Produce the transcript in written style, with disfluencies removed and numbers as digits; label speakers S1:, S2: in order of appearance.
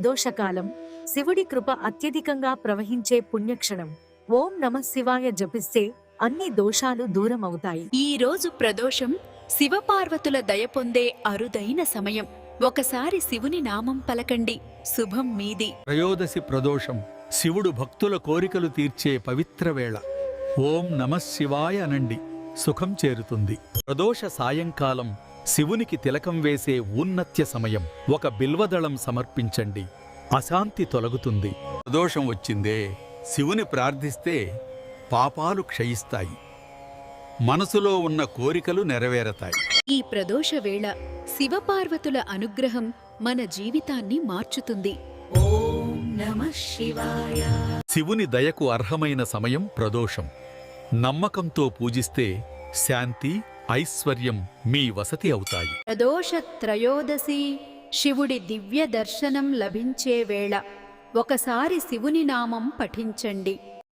S1: దోషకాలం, శివుడి కృప అత్యధికంగా ప్రవహించే పుణ్యక్షణం. ఓం నమః శివాయ జపిస్తే అన్ని దోషాలు దూరమవుతాయి.
S2: ఈ రోజు ప్రదోషం శివపార్వతుల దయ పొందే అరుదైన సమయం. ఒకసారి శివుని నామం పలకండి, శుభం మీది.
S3: త్రయోదశి ప్రదోషం శివుడు భక్తుల కోరికలు తీర్చే పవిత్ర వేళ. ఓం నమః శివాయ అనండి, సుఖం చేరుతుంది. ప్రదోష సాయంకాలం శివునికి తిలకం వేసే ఊన్నత్య సమయం. ఒక బిల్వదళం సమర్పించండి, అశాంతి తొలగుతుంది. ప్రదోషం వచ్చిందే, శివుని ప్రార్థిస్తే పాపాలు క్షయిస్తాయి, మనసులో ఉన్న కోరికలు నెరవేరతాయి.
S2: ఈ ప్రదోష వేళ శివపార్వతుల అనుగ్రహం మన జీవితాన్ని మార్చుతుంది. ఓం నమః శివాయ.
S3: శివుని దయకు అర్హమైన సమయం ప్రదోషం. నమ్మకంతో పూజిస్తే శాంతి, ఐశ్వర్యం మీ వసతి అవుతాయి.
S2: ప్రదోష త్రయోదశి శివుడి దివ్య దర్శనం లభించే వేళ. ఒకసారి శివుని నామం పఠించండి,